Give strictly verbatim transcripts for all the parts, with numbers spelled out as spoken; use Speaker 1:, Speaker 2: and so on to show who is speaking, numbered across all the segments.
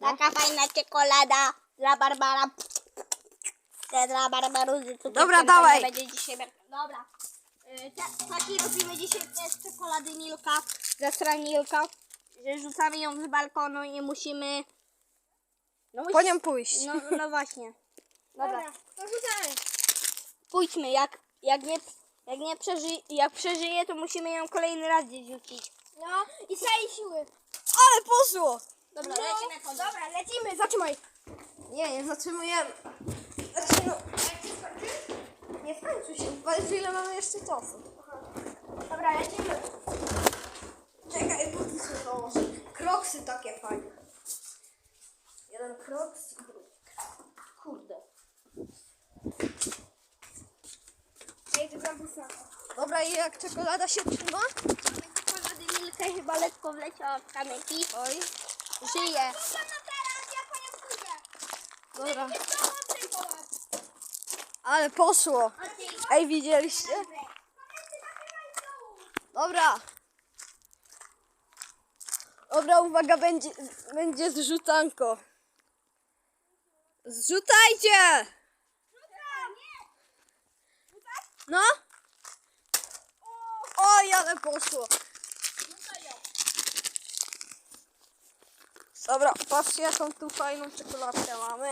Speaker 1: Taka fajna czekolada dla Barbara. Te dla Barbaruzy.
Speaker 2: Dobra, dawaj.
Speaker 1: Będzie dzisiaj... Dobra. Y, ta- Taki robimy dzisiaj test czekolady Milka. Za stronę Milka. Że rzucamy ją z balkonu i musimy... No,
Speaker 2: Po nią pójść.
Speaker 1: No, no właśnie. Dobra.
Speaker 3: to rzucamy.
Speaker 1: Pójdźmy. Jak, jak, nie, jak, nie przeży, jak przeżyje, to musimy ją kolejny raz gdzieś rzucić.
Speaker 3: No i całej siły.
Speaker 2: Ale poszło!
Speaker 1: Dobra,
Speaker 3: No,
Speaker 1: lecimy po
Speaker 3: dobra, lecimy, zatrzymaj.
Speaker 2: Nie, nie zatrzymujemy. Znaczy no, nie skończy się. Powiedz, ile mamy jeszcze czasu.
Speaker 3: Dobra, lecimy.
Speaker 2: Czekaj, buty sobie założę. Kroksy takie fajne. Jeden kroks i drugi. Kurde.
Speaker 3: Ej, to bambusa.
Speaker 2: Dobra, i jak czekolada się trzyma?
Speaker 1: Czekolady Milka chyba lekko wleciała w kamyki.
Speaker 2: Oj,
Speaker 1: Żyje.
Speaker 3: Rzucam na teraz, ja po nią pójdę.
Speaker 2: dobra.
Speaker 3: Jest to mądrzej po was.
Speaker 2: Ale poszło. Ej, widzieliście? Dobra. Dobra, uwaga, będzie, będzie zrzucanko. Zrzucajcie! No? Oj, ale poszło. Dobra, patrzcie, jaką tu fajną czekoladkę mamy.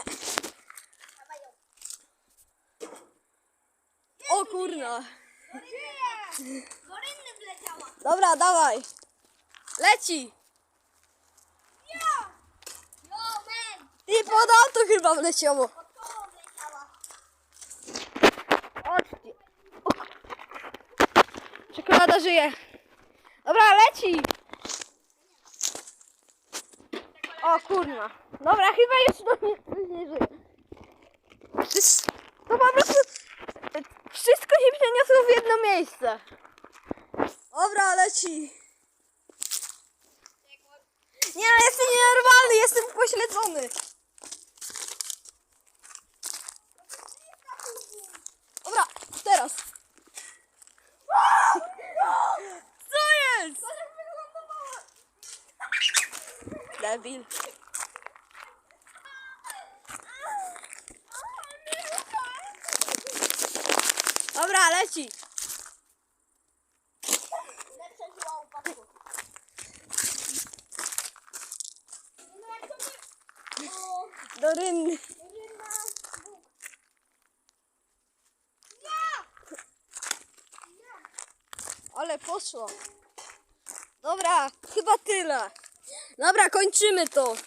Speaker 2: O kurna.
Speaker 3: Gorynny wleciała.
Speaker 2: Dobra, dawaj. Leci.
Speaker 3: Jo! Jo, man!
Speaker 2: I pod auto chyba wleciało.
Speaker 3: Pod koło wleciała.
Speaker 2: Chodźcie. O. Czekolada żyje. Dobra, leci. O kurna. Dobra, chyba jeszcze to nie, nie żyje. Przecież to po prostu wszystko się przeniosło w jedno miejsce. Dobra, leci. Nie, no jestem nienormalny, jestem pośledzony. Dobra, teraz. Co jest? Debil. Dobra, leci.
Speaker 3: Lepsze zła upadku. No jak to nie... O,
Speaker 2: Do rynny.
Speaker 3: rynna.
Speaker 2: Ale poszło. Dobra, chyba tyle. Dobra, kończymy to.